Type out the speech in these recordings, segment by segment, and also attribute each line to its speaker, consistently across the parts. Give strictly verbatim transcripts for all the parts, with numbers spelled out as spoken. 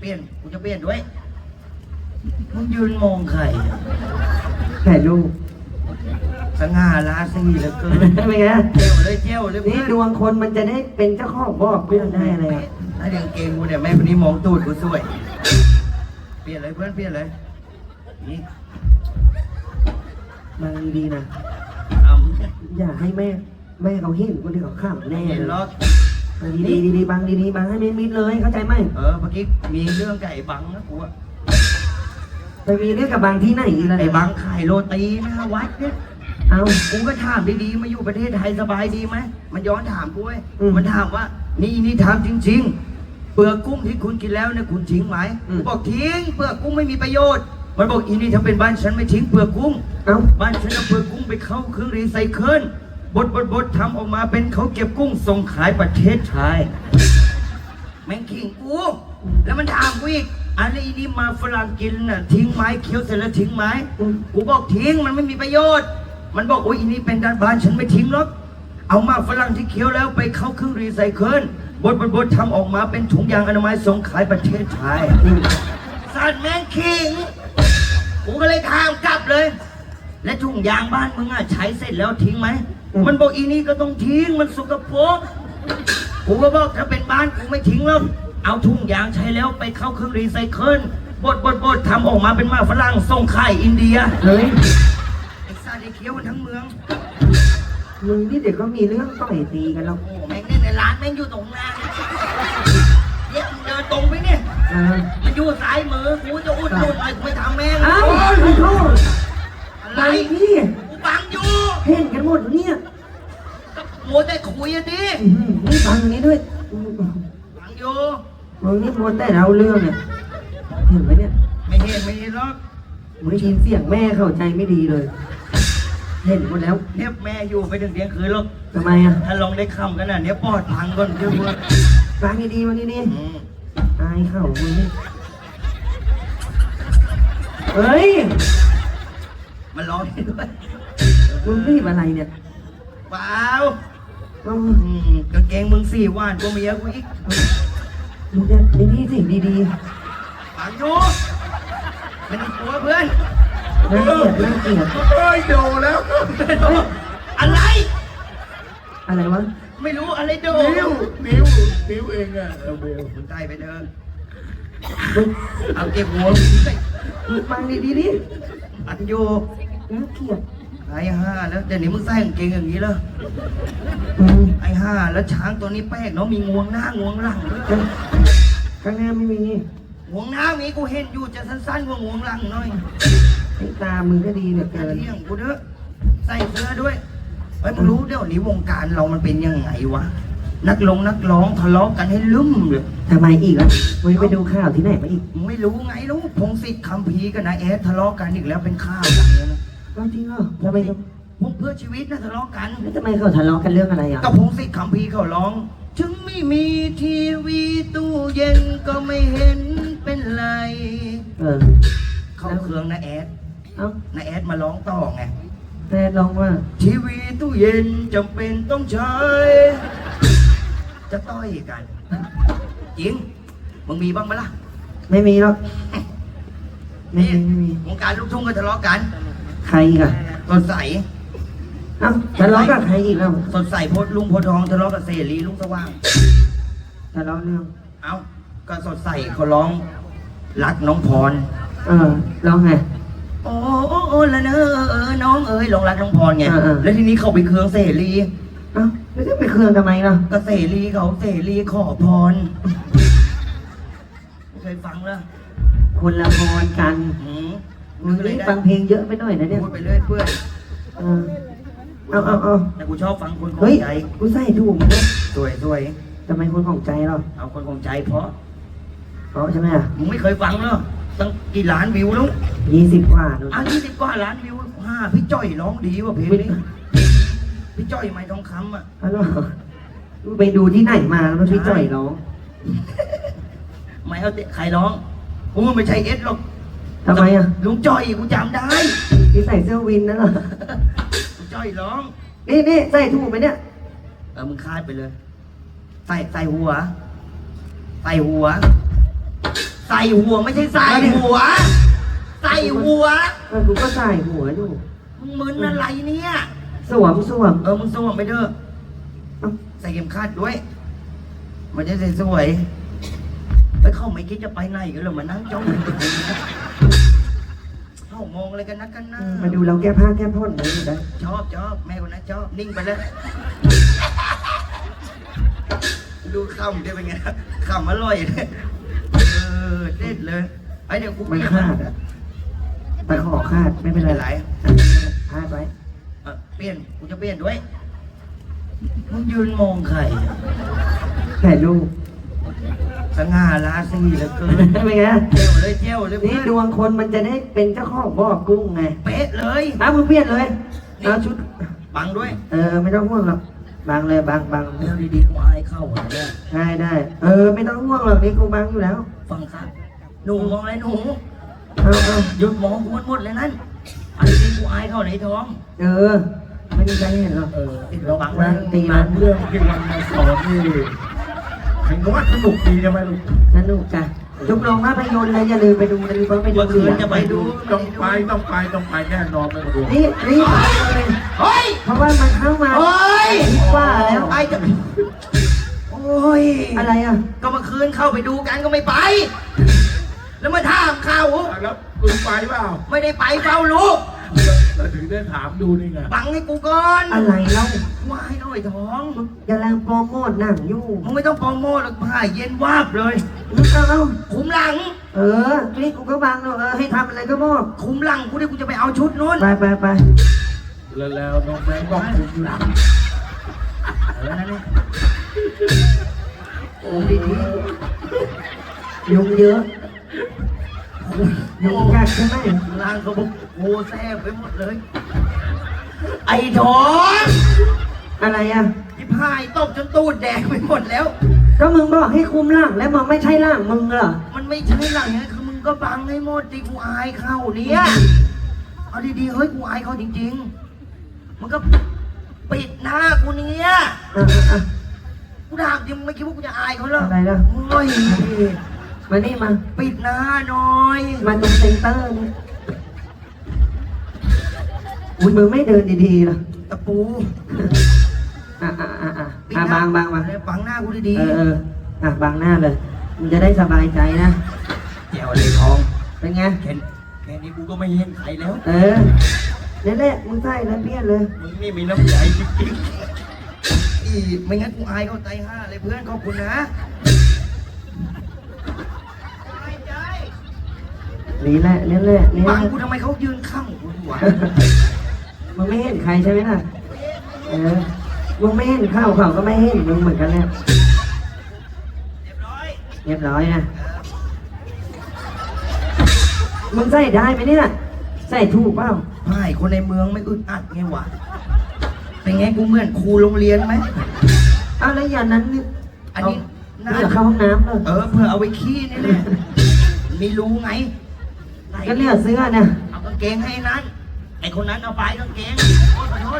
Speaker 1: ลี่ยนกูจะเปลี่ยนด้วยมึงยืนมองใคร
Speaker 2: ถ่ายรูป
Speaker 1: สง่าราศีเหลือเกิน
Speaker 2: เป็นไง
Speaker 1: เจ้าเลยเจ้าเลย
Speaker 2: นี่ดวงคนมันจะได้เป็นเจ้าของบอกเรื่องได้เลย
Speaker 1: ถ้าเรื่องเกงกูเนี่ยแม่คนนี้มองตูดกูสวยเปลี่ยนเลยเพื่อนเปลี่ยนเลยนี่
Speaker 2: มาดีๆนะ
Speaker 1: เอา
Speaker 2: อย่าให้แม่แม่เขาเห็นคนที่เขาข้ามแน่
Speaker 1: เห็น
Speaker 2: เลย
Speaker 1: ล็อก
Speaker 2: ดีๆดีๆบังดีๆบังให้มิดๆเลยเข้าใจไหม
Speaker 1: เออเมื่อกี้มีเรื่องไก่บังนะกูอะ
Speaker 2: ไปมีเรื่องกับบางที่ไหนอีกแล้ว
Speaker 1: ไอ้
Speaker 2: เนี่ย
Speaker 1: บังขายโรตีนะวัดเนี่ย
Speaker 2: เอา
Speaker 1: กูก็ถามดีๆมาอยู่ประเทศไทยสบายดีไหมมันย้อนถามกูเว้ย
Speaker 2: อืม
Speaker 1: มันถามว่านี่นี่ถามจริง ๆ เปลือกกุ้งที่คุณกินแล้วเนี่ยคุณทิ้งไหม
Speaker 2: อืม
Speaker 1: กูบอกทิ้งเปลือกกุ้งไม่มีประโยชน์มันบอกอีนี่ถ้าเป็นบ้านฉันไม่ทิ้งเปลือกกุ้ง
Speaker 2: เอา
Speaker 1: บ้านฉันเอาเปลือกกุ้งไปเข้าเครื่องรีไซเคิลบดบดบดทำออกมาเป็นเขาเก็บกุ้งส่งขายประเทศไทยแม่งขิงกูแล้วมันถามกูอีกอะไรนี่มาฝรั่งกินน่ะทิ้งไหมเคี้ยวเสร็จแล้วทิ้งไหมกูบอกทิ้งมันไม่มีประโยชน์ มันบอกโอ้ยอีนี่เป็นด้านบ้านฉันไม่ทิ้งหรอกเอามาฝรั่งที่เคี้ยวแล้วไปเข้าเครื่องรีไซเคิลบดบดบดทำออกมาเป็นถุงยางอนามัยส่งขายประเทศไทยสัตว์แม่งขิงกูก็เลยถามกลับเลย และถุงยางบ้านมึงอ่ะใช้เสร็จแล้วทิ้งไหม มันบอกอีนี่ก็ต้องทิ้งมันสกปรกกูก็บอกถ้าเป็นบ้านกูไม่ทิ้งหรอกเอาถุงยางใช้แล้วไปเข้าเครื่องรีไซเคิลบดบดบดทำออกมาเป็นมาฝรั่งส่งขายอินเดีย
Speaker 2: เฮ้ย
Speaker 1: ไอ้ซาดิเคี้ยวมันทั้งเมือง
Speaker 2: มึงนี่เดี๋ยวก็มีเรื่องต่อยตีกันแล้ว
Speaker 1: โอ้แม่งเนี่ยในร้านแม่งอยู่ตรงหน้าเดี๋ยวมึงเดินตรงไปเนี่ย
Speaker 2: เออ
Speaker 1: มันอยู่ซ้ายมือกูจะอุดหนุนหน่อยกูไปทำแม่ง
Speaker 2: เอ้าขอโทษ
Speaker 1: อะไร
Speaker 2: ไปพี่
Speaker 1: กูบังอยู่
Speaker 2: เห็นกันหมดเนี่ย
Speaker 1: ก็มัวแต่คุยอะดิ
Speaker 2: อื้อหือนี่ฟังนี้ด้วย
Speaker 1: บังอยู่
Speaker 2: มึงนี่มัวแต่เราเรื่องเนี่ยเห็นไหมเนี่ย
Speaker 1: ไม่เห็นไม่เห็นหรอก
Speaker 2: มึงได้ยินเสียงแม่เข้าใจไม่ดีเลย เห็นหมดแล้ว
Speaker 1: เนี่ยแม่อยู่ไปถึงเที่ยงคืนหรอก
Speaker 2: ทำไมอ่ะ
Speaker 1: ถ้าลองได้คำกันน่ะเนี่ยปอดพังก่อนเชื่อกู
Speaker 2: ฟังดีๆวันนี้นี่
Speaker 1: อืม
Speaker 2: อายเข่ามึงนี่เฮ้ย
Speaker 1: มันร้องให้ด้วย
Speaker 2: มึงรีบอะไรเนี่ย
Speaker 1: เปล่า
Speaker 2: เอ้า
Speaker 1: อืมกางเกงมึงสี่ว่านกูเมียกูอีก
Speaker 2: มึงจะไอ้นี่สิดี
Speaker 1: ฟังอยู่ไม่ต้องกลัวเพื่อน
Speaker 2: ๆน่าเกลียดน่าเกลียด
Speaker 3: เฮ้ยโดนแล้ว
Speaker 1: อะไร
Speaker 2: อะไรวะ
Speaker 1: ไม่รู้อะไรโด
Speaker 3: นิ้วนิ้วนิ้วเองอะเอาเบล
Speaker 1: มึงใต้ไปเดิน
Speaker 2: มึง
Speaker 1: เอาเก็บหัว
Speaker 2: มึงฟังดีๆดิ
Speaker 1: อันอยู่
Speaker 2: น่าเกลียด
Speaker 1: ไอ้ห้าแล้วเดี๋ยวนี้มึงใส่กางเกงอย่างนี้เหรอ
Speaker 2: อืม
Speaker 1: ไอ้ห้าแล้วช้างตัวนี้แปลกเนาะมีงวงหน้างวงหลังด้วย
Speaker 2: ข้างหน้าไม่มี
Speaker 1: งวงหน้ามีกูเห็นอยู่จะสั้นๆกว่างวงหลังหน่อย
Speaker 2: ไอ้ตามึงก็ดีเหลือ
Speaker 1: อย่า
Speaker 2: เกิน
Speaker 1: เที่ยงกูเด้อใส่เสื้อด้วยไอ้ยมึงรู้เดี๋ยวนี้วงการเรามันเป็นยังไงวะนักลงนักร้องทะเลาะกันให้ลืมเลย
Speaker 2: ทำไมอีกอ่ะมึงไปดูข่าวที่ไหนมาอีก
Speaker 1: มึงไม่รู้ไงรู้พงศิษฐ์คำพีร์กับนายแอดทะเลาะกันอีกแล้วเป็นข้าวดังเลยนะ
Speaker 2: เอาจริงเหรอทำไม
Speaker 1: พวกเพื่อชีวิตนะทะเลาะกัน
Speaker 2: ทำไมเขาทะเลาะกันเรื่องอะไรอ่ะ
Speaker 1: กับพงศิษฐ์คำพีร์เขาร้อง ถึงไม่มีทีวีตู้เย็นก็ไม่เห็นเป็นไร
Speaker 2: เออ
Speaker 1: เข้าเครื่องนายแอด
Speaker 2: เอ้าน
Speaker 1: ายแอดมาร้องต่อไง
Speaker 2: แต่ลองว่า
Speaker 1: ทีวีตู้เย็นจำเป็นต้องใช้ จะต้อยกัน จริง มึงมีบ้างไหมล่ะ
Speaker 2: ไม่มีหรอกไม่
Speaker 1: นี่
Speaker 2: มีไม่มี
Speaker 1: วงการลูกทุ่งก็ทะเลาะกัน
Speaker 2: ใครอีกอ่ะ
Speaker 1: สดใส
Speaker 2: เอ้าทะเลาะกับใครอีกแล้ว
Speaker 1: สดใสโพดลุงโพธิ์ทองทะเลาะกับเสรีลุงสว่าง
Speaker 2: ทะเลาะเรื่อง
Speaker 1: เอ้า ก็สดใสเขาร้อง รักน้องพร
Speaker 2: เออร้องไง
Speaker 1: โอ้โอ้โอ้ละเนอเออน้องเอ้ยลงรักน้องพรไง
Speaker 2: เออเออ
Speaker 1: แล้วทีนี้เขาไปเคืองเสรี
Speaker 2: เอ้าแล้วจะไปเครืองทำไมล่ะ
Speaker 1: ก็เสรีเขาเสรีขอพรไม่เคยฟังเลย
Speaker 2: คนละพรกัน
Speaker 1: อืม
Speaker 2: มึงนี่ฟังเพลงเยอะไปหน่อยนะเนี่ย
Speaker 1: พูดไปเรื่อยเปื่อย
Speaker 2: เออเอาเอาเอา
Speaker 1: แต่กูชอบฟังคนขอ
Speaker 2: เฮ้
Speaker 1: ง
Speaker 2: ย
Speaker 1: ใจ
Speaker 2: กูใส่ถูกนะ
Speaker 1: สวยสวย
Speaker 2: ทำไมคนของใจเรา
Speaker 1: เอาคนของใจเพราะ
Speaker 2: เพราะใช่ไหมอ่ะ
Speaker 1: มึงไม่เคยฟังเหรอตั้งกี่ล้านวิวแล้ว
Speaker 2: ยี่สิบกว่าดู
Speaker 1: อ่ะยี่สิบกว่าล้านวิวห้าพี่จ้อยร้องดีว่ะเพลงนี้พี่จ้อยไม้ทองคำอ่ะ
Speaker 2: ฮัลโหลมึงไปดูที่ไหนมาแล้วมันพี่จ่อยร้อง
Speaker 1: ไม่เอาเตะใครร้องกูไม่ใช่เอสหรอก
Speaker 2: ทำไมอ่ะ
Speaker 1: ลุงจ้อยกูจำได้
Speaker 2: ที่ใส่เสื้อวินนั่นเหรอ
Speaker 1: ลุงจ้อยร้อง
Speaker 2: นี่นี่ใส่ถูกไหมเนี่ย
Speaker 1: เออมึงคาดไปเลย ใส่ใส่หัว ใส่หัว ใใส่หัวไม่ใช่ใส่หัว ใส่หัว
Speaker 2: เออกูก็ใส่หัวอยู่
Speaker 1: มึงมึนอะไรเนี่ย
Speaker 2: สวมสวม
Speaker 1: เออมึงสวมไปเถอะ
Speaker 2: เอ้า
Speaker 1: ใส่เข็มขัดด้วย มันจะสวยๆไปเข้าไม่คิดจะไปไหนกันเลยมานั่งจ้องเข้ามองอะไรกันนักกันหน้า
Speaker 2: มาดูเราแก้ผ้าแก้ผ่อนเลยอยู่ได้
Speaker 1: ชอบชอบแม่คนนั้นชอบนิ่งไปแล้วดูขำได้เป็นไงขำอร่อยเลยเออเด็ดเลยไอเดี๋ยวกู
Speaker 2: มันคาดอะตะขอคาดไม่เป็นไร
Speaker 1: ไร
Speaker 2: คาดไว้
Speaker 1: เออเปลี่ยนกูจะเปลี่ยนด้วยมึงยืนมองใคร
Speaker 2: ถ่ายรูป
Speaker 1: สง่าราศีเหลือเกิน
Speaker 2: เป็นไง
Speaker 1: เจ้าเลยเจ้าเลย
Speaker 2: นี่ดวงคนมันจะได้เป็นเจ้าของบ่อกุ้งไง
Speaker 1: เป๊ะเลย
Speaker 2: เอามึงเปลี่ยนเลยเอาชุด
Speaker 1: บังด้วย
Speaker 2: เออไม่ต้องห่วงหรอกบางเลยบางบาง
Speaker 1: เดี๋ยวดีๆกูอายเข้าหัวเนี่ย
Speaker 2: ได้ได้เออไม่ต้องห่วงหรอกนี่กูบางอยู่แล้ว
Speaker 1: ฟังครับหนูมองอะไรหนู
Speaker 2: เอาเอา
Speaker 1: หยุดมองกูหมดเลยนั่นอันนี้กูอายเข้าในท้อง
Speaker 2: เออไม่มีใครเห็นหรอก
Speaker 3: เออ
Speaker 1: เราบัง
Speaker 2: นะ
Speaker 1: นะ
Speaker 2: ตี
Speaker 3: ห
Speaker 2: มั
Speaker 3: นั
Speaker 2: น
Speaker 3: งเรื่องที่วันมาสอนนี่เห็นว่าสนุกดีใช่ไหมลูก
Speaker 2: สนุกจ้ะทุกโรงภาพยนตร์เลยอย่าลืมไปดูนะนี่เพราะไปดู
Speaker 1: เมื่อคืนจะไปดู
Speaker 3: ต้องไปต้องไปต้องไปแน่นอนไม่ต้องดู
Speaker 2: นี่นี่ไปเลย
Speaker 1: เฮ้ย
Speaker 2: เพราะว่ามันเข้ามา
Speaker 1: เฮ้ย
Speaker 2: คิดว่าแล้ว
Speaker 1: ไอ้จะโอ้ย
Speaker 2: อะไรอ่ะ
Speaker 1: ก็เมื่อคืนเข้าไปดูกันก็ไม่ไป แล้วมาถามเขา
Speaker 3: แล้วคุณไปเปล่า
Speaker 1: ไม่ได้ไปเฝ้าลูก
Speaker 3: เราถึงได้ถามดูนี่ไง
Speaker 1: บังให้กูก่อน
Speaker 2: อะไรเล่า
Speaker 1: วายหน่อยท้อง
Speaker 2: อย่าแรงโปรโมทหนังอยู่
Speaker 1: มึงไม่ต้องโปรโมทหรอกผ่าเย็นวาบเลย
Speaker 2: เอาเอา
Speaker 1: คุมหลัง
Speaker 2: เออนี่กูก็บางเนอะเออให้ทำอะไรก็บอก
Speaker 1: คุมหลังกูดิกูจะไปเอาชุดนู้น
Speaker 2: ไปไปไป
Speaker 3: แล้วแล้วน้องแบงค์ก็คุมหลัง
Speaker 1: เออนั่นนี่
Speaker 2: โอ้ดีดียุงเยอะยุงกัดใช่ไหม
Speaker 1: ล่างเขาบอกโง่แซ่บไปหมดเลย ไอ้ท้อง
Speaker 2: อะไรอ่ะ
Speaker 1: ที่พายตบจนตูดแดงไปหมดแล้ว
Speaker 2: ก็มึงบอกให้คุมร่างแล้วมันไม่ใช่ร่างมึงเหรอ
Speaker 1: มันไม่ใช่หลังนี้คือมึงก็บังให้หมดดิกูอายเข้าเนี่ยเอาดีๆเฮ้ยกูอายเขาจริงๆมันก็ปิดหน้ากูเนี่ย
Speaker 2: อ่ะอ่ะอ่ะ
Speaker 1: กูถามจริงมึงไม่คิดว่ากูจะอายเขาเหรอ
Speaker 2: อะไรล่ะ
Speaker 1: โอ้ย
Speaker 2: มานี่มา
Speaker 1: ปิดหน้าหน่อย
Speaker 2: มาตรงเซ็นเตอร์นี่อุ้ยมึงไม่เดินดีๆเหรอ
Speaker 1: ตะปู
Speaker 2: อ่ะอ่ะอ่ะอ่ะ
Speaker 1: ปิด
Speaker 2: อ่ะ
Speaker 1: หน้
Speaker 2: บางบางบาง
Speaker 1: บังหน้ากูดี
Speaker 2: เออเอออ่ะบางหน้าเลยมึงจะได้สบายใจนะ
Speaker 1: ๆเดี๋ยวเลยทอง
Speaker 2: เป็นไง
Speaker 1: แค่แค่นี้กูก็ไม่เห็นใครแล้ว
Speaker 2: เออนี่นแหละมึงใส่แล้วเปลี่ยนเลย
Speaker 1: มึงนี่มีน้ำใจจริงๆอีไม่งั้นกูอายเขาใจห้าเลยเพื่อนขอบคุณนะ
Speaker 2: นี่แหละนี่แหละนี่แห
Speaker 1: บั
Speaker 2: ละ
Speaker 1: งกูทำไมเขายืนข้างกูวะ
Speaker 2: มึงไม่เห็นใครใช่ไหมล่ะเออมึงไม่เห็นข้าวเขาก็ไม่เห็นมึงเหมือนกันแหละ
Speaker 1: เรียบร้อย
Speaker 2: เรียบร้อยนะมึงใส่ได้ไหมเนี่ยใส่ถูกเปล่า
Speaker 1: ไพ่คนในเมืองไม่อึดอัดไงวะเป็นไงกูเหมือนครูโรงเรียนไหม
Speaker 2: เอาแล้วอย่างนั้นนี่
Speaker 1: อันนี้
Speaker 2: เาเพื่อเข้าห้องน้ำเลย
Speaker 1: เออเพื่อเอาไว้ขี้นี่แหละมีรู้ไงไหน
Speaker 2: ก็เลือกเสื้อเนี่ย
Speaker 1: เอากางเกงให้นั้น ไอคนนั้นเอาไปกางเกงโทษขอโทษ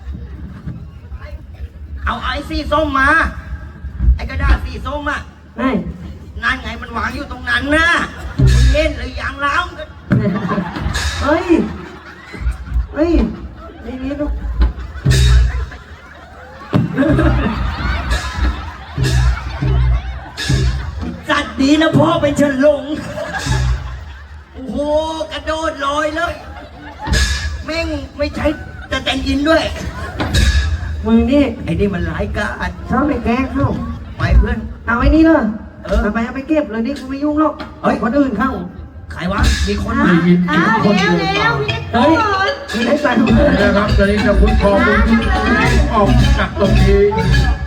Speaker 1: เอาไอ้สีส้มมา ไอ้กระดาษสีส้มอ่ะ
Speaker 2: ไอ้
Speaker 1: นั่นไงมันวางอยู่ตรงนั้นนะมึงเล่นหรือยังแล้ว
Speaker 2: เฮ้ย เฮ้ยนี่นี่ลูก
Speaker 1: จัดดีนะพ่อเป็นเฉินหลง โอ้โห กระโดดลอยเลย แม่งไม่ใช่จะแต่งอินด้วย
Speaker 2: มึงนี่
Speaker 1: ไอ้นี่มันหลายกาด
Speaker 2: ชอบไปแกล้งเข้า
Speaker 1: ไปเพื่อน
Speaker 2: เอาไอ้นี่เลย
Speaker 1: เออ
Speaker 2: เอาไปเอาไปเก็บเลยนี่กูไม่ยุ่งหรอก
Speaker 1: เฮ้ย
Speaker 2: คนอื่นเข้า
Speaker 1: ใครวะ มีคน
Speaker 3: ได้
Speaker 1: มา
Speaker 3: ยิน
Speaker 4: อ้าว
Speaker 3: คน
Speaker 4: เร็ว
Speaker 3: เดิน
Speaker 4: เร็ว
Speaker 3: มา
Speaker 4: พี่
Speaker 2: เฮ้ยไม่ได้ใส่
Speaker 3: นะครับตอนนี้จะคุณพอคุณออกจากตรงนี้